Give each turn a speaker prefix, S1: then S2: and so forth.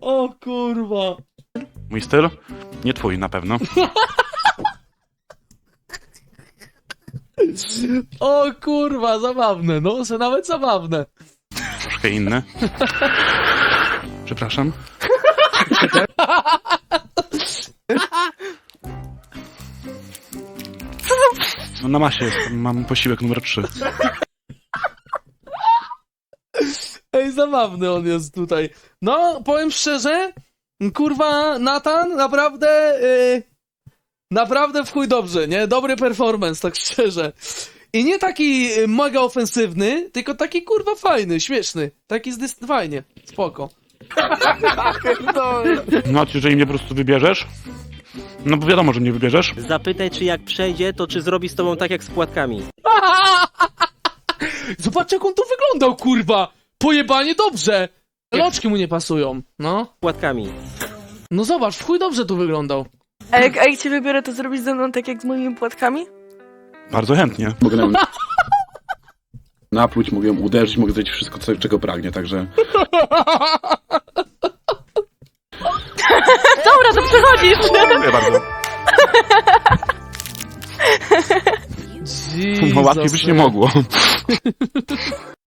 S1: O kurwa.
S2: Mój styl? Nie twój na pewno.
S1: O kurwa, zabawne, no, nawet zabawne.
S2: Troszkę inny. Przepraszam. No na masie jest, mam posiłek numer 3.
S1: Ej, zabawny on jest tutaj. No, powiem szczerze, kurwa, Nathan, naprawdę, naprawdę w chuj dobrze, nie? Dobry performance, tak szczerze. I nie taki mega ofensywny, tylko taki, kurwa, fajny, śmieszny. Taki fajnie, spoko.
S2: No a jeżeli mnie po prostu wybierzesz? No bo wiadomo, że mnie wybierzesz.
S3: Zapytaj, czy jak przejdzie, to czy zrobi z tobą tak jak z płatkami.
S1: Zobacz, jak on tu wyglądał, kurwa! Pojebanie dobrze! Loczki mu nie pasują, no.
S3: Płatkami.
S1: No zobacz, w chuj dobrze tu wyglądał.
S4: A jak cię wybiorę, to zrobisz ze mną tak jak z moimi płatkami?
S2: Bardzo chętnie.
S5: Mogę napluć, mogę ją uderzyć, mogę zrobić wszystko, czego pragnie, także...
S4: Dobra, to przechodzisz!
S2: Dziękuję bardzo. No łatwiej być nie mogło.